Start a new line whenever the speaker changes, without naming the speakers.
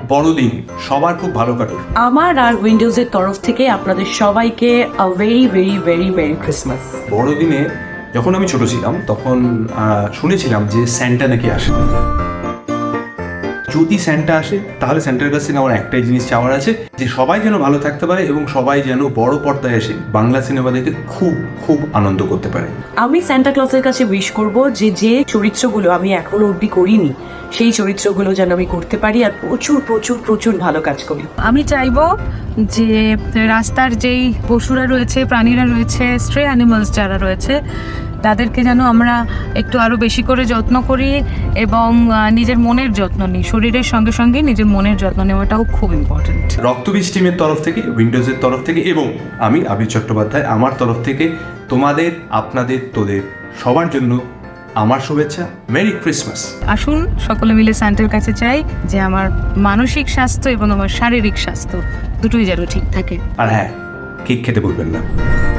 বড়দিন সবার খুব ভালো কাটুক।
আমার আর উইন্ডোজের তরফ থেকে আপনাদের সবাইকে a very very very merry Christmas.
বড়দিনে যখন আমি ছোট ছিলাম তখন শুনেছিলাম যে স্যান্টা নাকি আসে। যদি স্যান্টা আসে তাহলে স্যান্টার কাছ থেকে আমার একটাই জিনিস চাওয়ার আছে, যে সবাই যেন ভালো থাকতে পারে এবং সবাই যেন বড় পর্দায় এসে বাংলা সিনেমা দেখে খুব খুব আনন্দ করতে পারে।
আমি সান্টা ক্লজের কাছে উইশ করব যে যে চরিত্রগুলো আমি এখনো অবধি করিনি সেই চরিত্রগুলো যেন আমি করতে পারি আর প্রচুর প্রচুর প্রচুর ভালো কাজ করি।
আমি চাইবো যে রাস্তার যেই পশুরা রয়েছে, প্রাণীরা রয়েছে, স্ট্রে অ্যানিমালস যারা রয়েছে, তাদেরকে যেন আমরা একটু আরও বেশি করে যত্ন করি এবং নিজের মনের যত্ন নিই। শরীরের সঙ্গে সঙ্গে নিজের মনের যত্ন নেওয়াটাও খুব ইম্পর্টেন্ট।
রক্তবীজ টিমের তরফ থেকে, উইন্ডোজের তরফ থেকে এবং আমি আবির চট্টোপাধ্যায় আমার তরফ থেকে তোমাদের, আপনাদের, তোদের সবার জন্য আমার শুভেচ্ছা। Merry Christmas.
আসুন সকলে মিলে স্যান্টার কাছে চাই যে আমার মানসিক স্বাস্থ্য এবং আমার শারীরিক স্বাস্থ্য দুটোই যেন ঠিক থাকে।
আর হ্যাঁ, কেক খেতে ভুলবেন না।